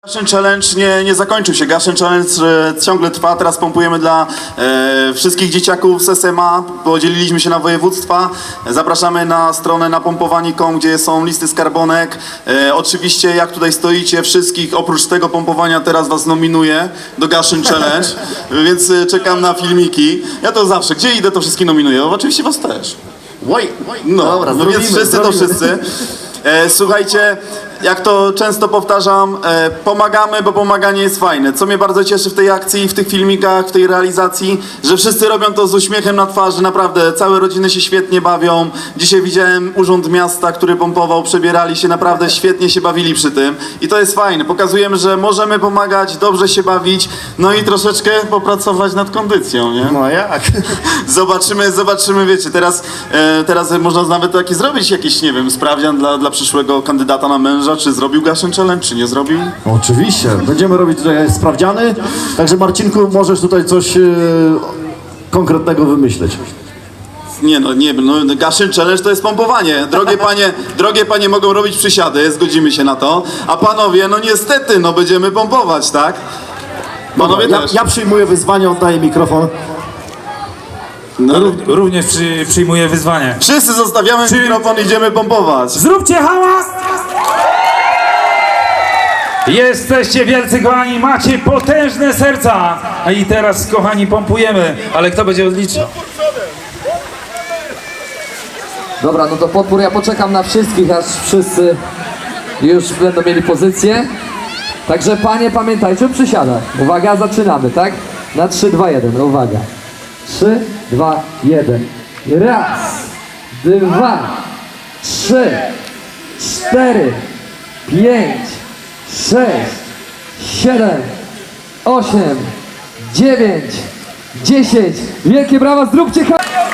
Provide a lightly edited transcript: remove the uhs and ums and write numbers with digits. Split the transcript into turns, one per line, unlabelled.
Gaszyn Challenge nie zakończył się. Gaszyn Challenge ciągle trwa. Teraz pompujemy dla wszystkich dzieciaków z SMA. Podzieliliśmy się na województwa. Zapraszamy na stronę napompowanie.com, gdzie są listy skarbonek. Oczywiście jak tutaj stoicie, wszystkich oprócz tego pompowania teraz was nominuję do Gaszyn Challenge, więc czekam na filmiki. Ja to zawsze, gdzie idę, to wszystkich nominuję. No, oczywiście was też. No,
Dobra,
no więc wszyscy to wszyscy. Słuchajcie, jak to często powtarzam, pomagamy, bo pomaganie jest fajne. Co mnie bardzo cieszy w tej akcji, w tych filmikach, w tej realizacji, że wszyscy robią to z uśmiechem na twarzy, naprawdę całe rodziny się świetnie bawią. Dzisiaj widziałem Urząd Miasta, który pompował, przebierali się, naprawdę świetnie się bawili przy tym. I to jest fajne, pokazujemy, że możemy pomagać, dobrze się bawić, no i troszeczkę popracować nad kondycją, nie?
No jak?
Zobaczymy, wiecie, teraz można nawet taki zrobić jakiś, nie wiem, sprawdzian dla przyszłego kandydata na męża, czy zrobił Gaszyn Challenge, czy nie zrobił?
Oczywiście, będziemy robić tutaj sprawdziany, także Marcinku, możesz tutaj coś konkretnego wymyśleć.
No Gaszyn Challenge to jest pompowanie. Drogie panie mogą robić przysiady, zgodzimy się na to, a panowie, no niestety, no będziemy pompować, tak? Panowie też.
Ja przyjmuję wyzwanie, oddaję mikrofon.
No,
Również przyjmuję wyzwanie.
wszyscy zostawiamy mikrofon, idziemy pompować.
Zróbcie hałas! Jesteście wielcy kochani, macie potężne serca. A i teraz kochani pompujemy, ale kto będzie odliczał?
Dobra, no to podpór, ja poczekam na wszystkich, aż wszyscy już będą mieli pozycję. Także panie, pamiętajcie o przysiadach. Uwaga, zaczynamy, tak? Na 3, 2, 1, uwaga. 3, 2, 1. Raz, 2, 3, 4, 5, 6, 7, 8, 9, 10. Wielkie brawa, zróbcie